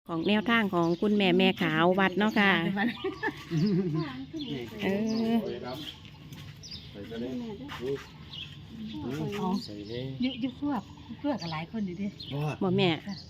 ของแนวทางของคุณแม่ขาววัดเนาะค่ะเออใส่กันเลยใส่เลยยุบเพื่อกับหลายคนอยู่ดิบ่แม่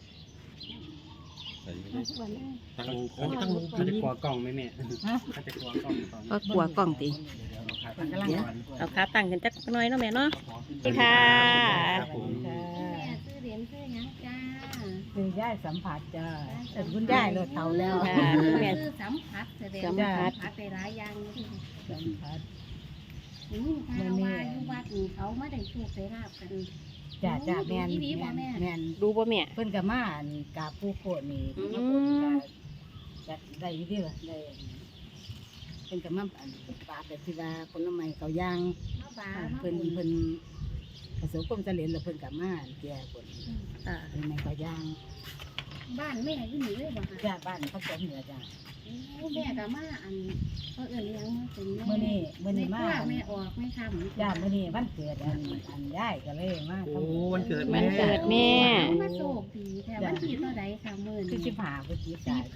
ใส่กันเลยตั้งเขาจะเขาจะกลัวกล้องไหมแม่เขาจะกลัวกล้องตอนก็กลัวกล้องติมันกำลังก่อนเอาขาตั้งกันจักหน่อยเนาะแม่เนาะสวัสดีค่ะครับผมจ้าซื้อเหรียญซื้อหยังจ้าคือย่ายสัมผัสจ้าแต่คุณย่ายรถเท่าแล้วค่ะแม่ซื้อสัมผัสแสดงสัมว่าผัสสัมผัสได้หลายอย่างอยู่สัมผัสนี่ถ้าว่าอยู่วัดนี่เขาไม่ได้โชคได้ลาบกันจ้าแม่นอีหลีบ่แม่แม่นดูบ่แม่เพิ่นกับมาอันกาผู้โคนี่อืมมาโคจะได้อยู่ดิล่ะได้เพิ่นกับมาอันปาแต่ที่ว่าผลไม้เขาย่างมาบาเพิ่นประสบความสำเร็จแล้วเพิ่นกับมาแก่ผลอ่าผลไม้เขาย่างบ้านแม่อยู่นี่เลยบ่ค่ะจ้าบ้านผสมเหนือจ้าโอ้แม่ก็มาอันเขาเอิ้นหยังมาเป็นแม่มื้อนี้มาแม่ออกแม่ทำจ้ามื้อนี้วันเกิดอันย่ายก็เลยมาโอ้วันเกิดวัแม่นเกิดแม่มาโชคดีแต่วันที่เท่าใดค่ะมื้อคือนี้สิบห้าพฤศจิกายน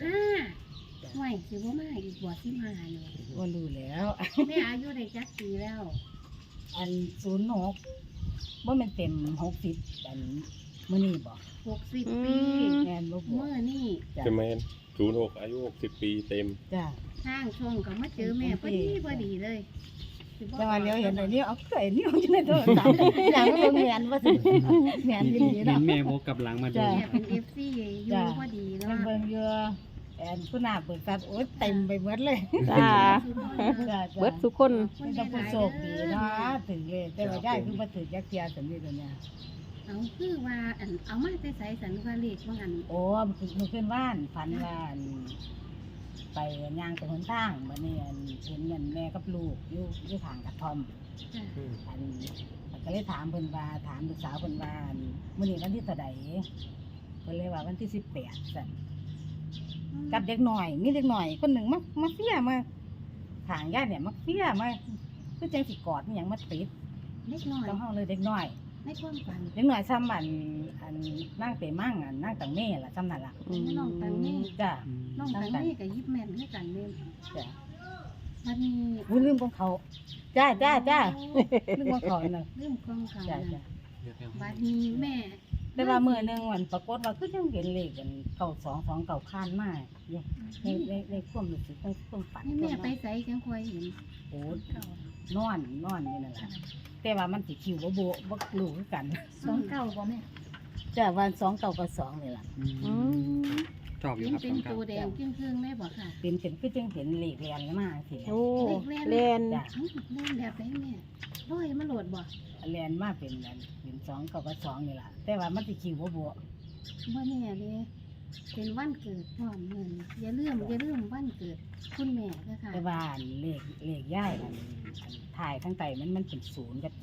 15ห่วยสิบ่มาอีกบ่15เนี่ยว่ารู้แล้วแม่อายุได้จักปีแล้วอัน06ว่ามันเต็ม60อันมื้อนี้บ่ 60 ปีแม่นบ่บ่เมื่อนี่จ้ะจะแมน06อายุ60 ปีเต็มจ้าทางช่องก็มาเจอแม่พอดีเลยสิบ่แต่ว่าเลี้ยวเห็นอันนี้เอาเคยนิ้วอยู่ในโทรศัพท์อย่างมันบ่แม่นว่าสิแม่นอีหลีเห็เนาะนแม่โบกกลับหลังมาดูจ้ะแม่เป็น FC อยู่พอดีแล้เพิ่วนเบิ่งอยู่แอนผู้หน้าเปิดตัดโอ๊ยเต็มไปหมดเลยจ้าจ้าเบิดทุกคนมันจะผู้โชคดีเนาะถึงเลยแต่ว่าย่ายคือบ่ถึงจักเที่ยสำนี้ตัวเนี้ยเอาคือว่าอันเอามาใส่สันว่าเลขว่าอันโอ้มันขึ้นว่านฝันว่าอันไปย่างไปหนทางบัดนี้อันเห็นนั่นแม่กับลูกอยู่ข้างกระท่อมจ้ะอันก็เลยถามเพิ่นว่าถามลูกสาวเพิ่นว่าอันมื้อนี้วันที่เท่าใดเพิ่นเลยว่าวันที่18ซั่นกับเด็กน้อยมีเด็กน้อยคนหนึงมาเฟียมาข้างญาติเนี่ยมาเฟียมาคือจังสิกอดอิหยังมาติดเล็กน้อยต้องเฮาเลยเด็กน้อยในความฝันเด็กน้อยซ้ำอันนั่งเตมั่งอันนั่งตังเม่ล่ะซ้ำนั่นล่ะน้องตังนี่จ้ะน้องตังนี่กับยิบแม่นด้วยกันเนี่ยจ้ะวันนี้อุ้ยลืมของเขาจ้าลืมของเขาน่ะเรื่องของเขาจ้ะนะวันนี้แม่แต่ว่ามื้อหนึงวันปรากฏว่าคือจังเห็นเลขกัน9229เก่าคานมาอยู่ในความรู้สึกในความฝันนี่แม่ไปใส่จังคอยเห็นโอ้เขานอนอยู่นั่นล่ะแต่ว่ามันสิคิวบ่รู้คือกัน 29บ่แม่จ้ะวัน29กับ2นี่ล่ะอืมชอบอยู่เห็นครับเป็นตัวแดงเครื่องๆได้บ่ค่ะเป็นคือจังเห็นเลขเรียนมาสิโอ้เล่นจ้ะเล่นแบบไหนแม่ร้อยมาโหลดบ่เรียนมาเป็นอันเป็น2กับ2นี่ล่ะแต่ว่ามันสิคิวบ่ว่าแน่เลยเป็นวันเกิดพร้อมเงินอย่าลืมวันเกิดคุณแม่ด้วยค่ะแต่ว่าอันเลขย่ายอันถ่ายข้างใต้มันเป็น0กับ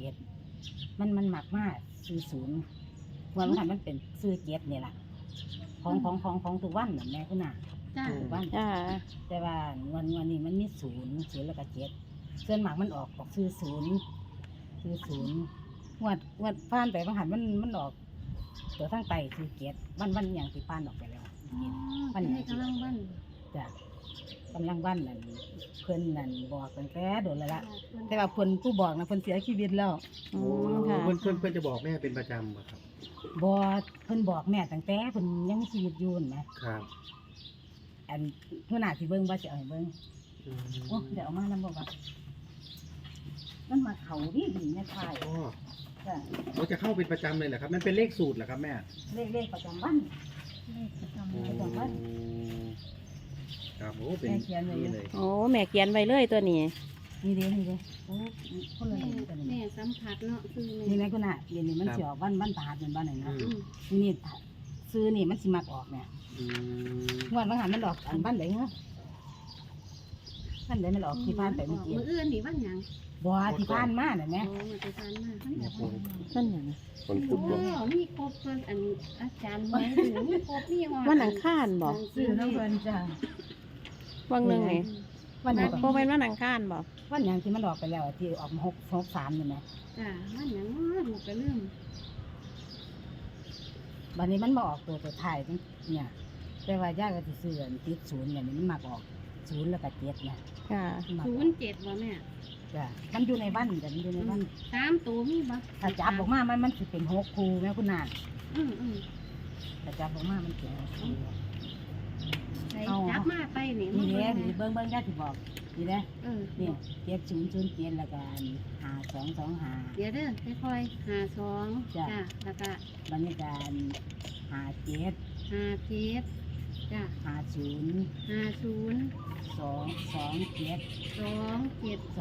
7มันมักมากซื้อ0ว่ามันเป็นซื้อ7นี่ล่ะของทุกวันน่ะแม่คุณน่ะจ้าทุกวันจ้าแต่ว่าวันนี้มันมี0แล้วก็7ส่วนมากมันออกซื้อ0งวดผ่านไปบางหันมันออกตัวทางใต้ซื้อ7วันอย่างที่ผ่านออกไปแล้ววันนี้กำลังวันจ้ะกำลังวันนั่นเพิ่นนั่นบอกตั้งแต่โดนแล้วละแต่ว่าเพิ่นผู้บอกนะเพิ่นเสียชีวิตแล้วอืโอ้มค่ะเพื่อนจะบอกแม่เป็นประจำอะครับบ่เพิ่นบอกแม่ตั้งแต่เพิ่นยังมีชีวิตอยู่นั่นนะครับ อันหัวหน้าสิเบิ่งว่าสิเอาให้เบิ่งโอ้เดี๋ยวเอามานำบ่ว่ามันมาเขาดีแม่ทายอ๋อจ้ะเขาจะเข้าเป็นประจำเลยเหรอครับ มันเป็นเลขสูตรเหรอครับแม่เลขประจำวันเลขประจำวันครับโอ้เป็นแม่เขียนไว้อยู่นี่เลยโอ้แม่เขียนไว้เลยตัวนี้นี่เด้โอ้คนละแม่นี่ตัวนี้แม่สัมผัสเนาะคือนี่แม่คุณน่ะเดี๋ยวนี้มันสิออกวันพฤหัสเป็นวันไหนนะนี่ซื้อนี่มันสิมักออกเนี่ยอืมงวดบางหันมันออกอันบ้านไหนเหรอบ้านไหนมันออกที่ผ่านไปเมื่อกี้มืออื่นนี่วันหยังบัวที่ผ่านมาน่ะแม่โอ้มาไปทานมานั่นหยังคนโอ้พุทธบ่มีครบเพิ่นอันอาจารย์ไว้ถึงมีครบมีฮอดวันอังคารบ่ซื้อน้ำเพิ่นจ้ะวังหนึงนี่วันไหนบ่แม่นวันอังคารบ่วันหยังที่มันออกไปแล้วอะที่ออกมา663นี่แหมจ้าวันหยังเนาะลูกก็ลืมบัดนี้มันมาออกตัวท้ายจังเนี่ยแต่ว่าย่าก็สิซื้ออันติดศูนย์เนี่ยมันมักออกศูนย์แล้วก็เจ็ดนะค่ะมันมักออก 07บ่แม่จ้ะมันอยู่ในบ้านจ้ะมันอยู่ในบ้าน 3ตัวมีบ่ถ้าจับออกมามันสิเป็นหกคู่แม่คุณนาอืมถ้าจับออกมามันเป็นหกคู่ใส่จับมาไปนี่นี่มาแหละเบิ่งนี่เบิ่งย่าสิบอกนี่แหละนี่นี่7007แล้วก็5225 เดี๋ยวเด้อค่อยๆ52 จ้ะจ้ะแล้วก็บรรยากาศ57 57จ้ะ 50 50 227 27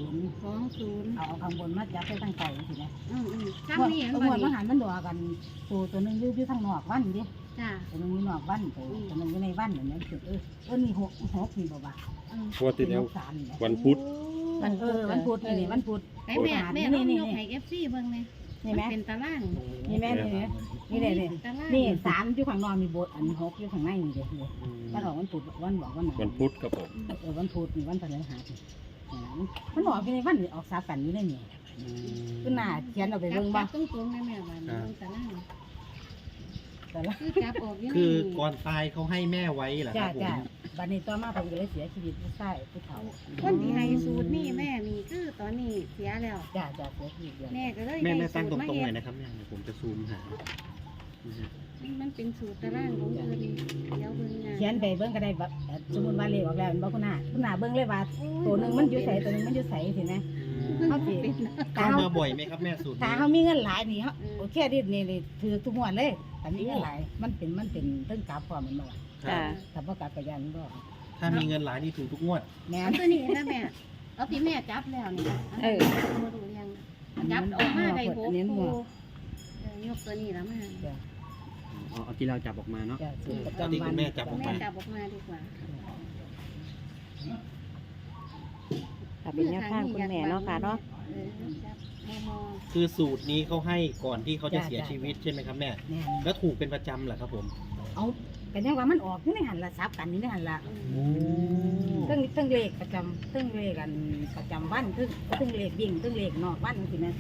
20 เอาข้างบนมาจับไปตั้งไก่สินะซ้ำนี่ตัวบ่มันนี่หันมันดอกันตัวหนึงอยู่ทางนอกวันดิจ้ะตัวหนึงอยู่นอกวันตัวหนึงอยู่ในวันอย่างนี้คือนี่หกนี่บ่บ่างวดที่แล้วสามนี่วันพุธวันพุธวันพุธนี่วันพุธไปแม่ลองยกให้ FC เบิ่งเลยนี่ไหมเป็นตารางนี่แม่นี่เลยนี่ตารางนี่สามอยู่ข้างนอกมีโบสถ์อันหกอยู่ข้างในนี่เด้อวันออกวันพุธวันบอกวันไหนวันพุธครับผมวันพุธนี่วันพฤหัสมันออกไปในวันออกสากันอยู่ในนี่คือหน้าเขียนเอาไปเบิ่งบ่ตรงๆได้แม่ว่าเบิ่งตารางแต่ละคือจับออกอยู่คือนี่ก่อนตายเขาให้แม่ไว้เหรอคจ้ารับผมจ้าบัดนี้ต่อมาผมก็เลยเสียชีวิตผู้ชายผู้เฒ่าคนที่ให้สูตรนี่แม่นี่คือตอนนี้เสียแล้วจ้าจ้าเสียชีวิตแล้วแม่ก็เลยแม่ได้ตั้งสูตตรมารงๆหน่เฮ็อยดนะครับแม่เดี๋ยวผมจะซูมหามันเป็นสูตรตารางของเพิ่นเดี๋ยวเบิ่งงานเขียนไปเบิ่งก็ได้แบบสมมุติว่าเลขออกแล้วบ่คุณหน้าเบิ่งเลยว่าตัวหนึงมันอยู่ไสตัวหนึงมันอยู่ไสสินะเขาสิเป็นตาเข้าเฮามาบ่อยไหมครับแม่สูตรตานี้เฮามีเงินหลายนี่เฮาโอเคดินี่ถือทุกงวดเลยแต่มีเงินหลายมันเป็นเรื่องกลับพร้อมมันบ่ล่ะค่ะถ้าบ่กลับก็ยันบ่ถ้ามีเงินหลายนี่ถูกทุกงวดแม่เอาตัวนี้นะแม่เอาที่แม่จับแล้วนี่มาดูเรียงจับออกมาได้6คู่ยกตัวนี้แล้วมาจ้ะเอาที่เราจับออกมาเนาะจ้ะสูตรประเอาที่จำวัคุนณแม่จับออกแม่มาจับออกมาดีกว่าค่ะเป็นแนวทางคุณแม่เนาะค่ะเนาะจับมอคือสูตรนี้เขาให้ก่อนที่เขาจะเสียชีวิตใช่ไหมครับแม่แม่แล้วถูกเป็นประจำเหรอครับผมเอาก็ยังว่ามันออกอยู่ในหันละซับกันอยู่ในหันละโอ้ซึ่งเลขประจำซึ่งเลขกันประจำวันซึ่งเลขวิ่งซึ่งเลขนอกวันสินะ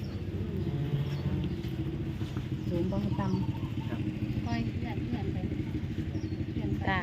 สูงบ่ต่คอยเลื่อนไปเลื่อนไป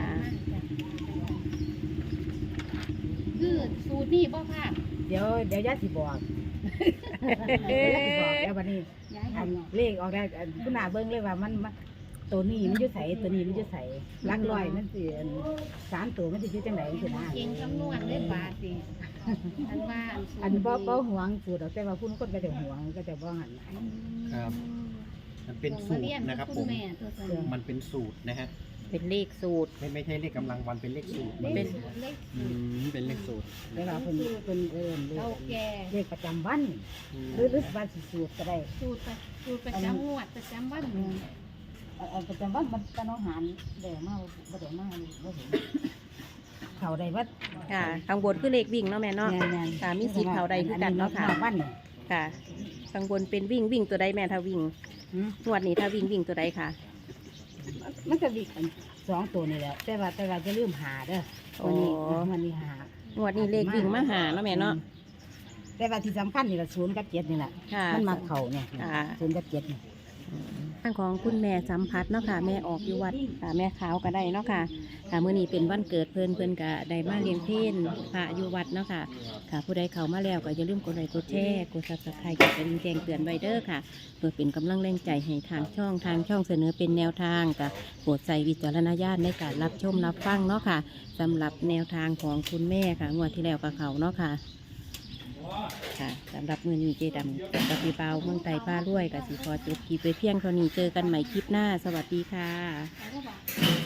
คือสูตรนี่บ่พลาดำเดี๋ยวย่าสิบอกย่าสิบอกแล้ววันนี้ย้ายอันเนาะเลขออกได้คุณอาเบิ้งเลยว่ามันตัวนี้มันอยู่ใสตัวนี้มันอยู่ใสลักลอยมันสิสามตัวมันสิอยู่จังไหนสินะเก่งคำนวณเลยบาทสิอันว่าอันบ่หวงสูตรแต่ว่าผู้คนก็จะหวงก็จะบ่หันครับ มันเป็นสูตรนะครับผมแม่ตัวสนิทมันเป็นสูตรนะฮะเป็นเลขสูตรไม่ใช่เลขกำลังวันเป็นเลขสูตรเลเป็นขเลขเป็นเลขสูตรแต่ว่าเพิ่นเลเก่าขแก่เลขประจำวันหรือวันสิสูตรก็ได้สูตรประจำงวดประจำวันประจำวันมันตะน้องหารเดี๋ยวมาบ่ได้มาบ่เห็นเขาได้วัดค่ะข้างบนคือเลขวิ่งเนาะแม่เนาะ ค่ะมีสิทธิ์เข้าได้คือกันเนาะค่ะวันค่ะข้างบนเป็นวิ่งตัวใดแม่ถ้าวิ่งงวดนี้ถ้าวิ่งตัวใดค่ะมันก็วิ่งสองตัวนี่แหละแต่ว่าจะลืมหาเด้อวันนี้หางวดนี้เลขวิ่งมาหาเนาะแม่เนาะแต่ว่าที่สำคัญนี่แหละ0 กับ 7นี่แหละค่ะมันมาเข่าเนี่ยค่ะ 0 กับ 7นี่ทางของคุณแม่สัมผัสเนาะค่ะแม่ออกอยู่วัดค่ะแม่ขาวก็ได้เนาะค่ะค่ะมื้อนี้เป็นวันเกิดเพิ่นก็ได้มาเลี้ยงเพลพระอยู่วัดเนาะค่ะค่ะผู้ใดเข้ามาแล้วก็อย่าลืมกดไลค์กดแชร์กด Subscribe กดกระดิ่งแจ้งเตือนไว้เด้อค่ะเพื่อเป็นกำลังแรงใจให้ทางช่องเสนอเป็นแนวทางก็โปรดใส่วิจารณญาณในการรับชมรับฟังเนาะค่ะสำหรับแนวทางของคุณแม่ค่ะงวดที่แล้วกับเขาเนาะค่ะค่ะสำหรับมือนี้เจดำกับพี่เปาเมืองไต่ป้าด้วยกับสีพอจบคลิปไปเพียงเท่านี้เจอกันใหม่คลิปหน้าสวัสดีค่ะแล้วก็บอก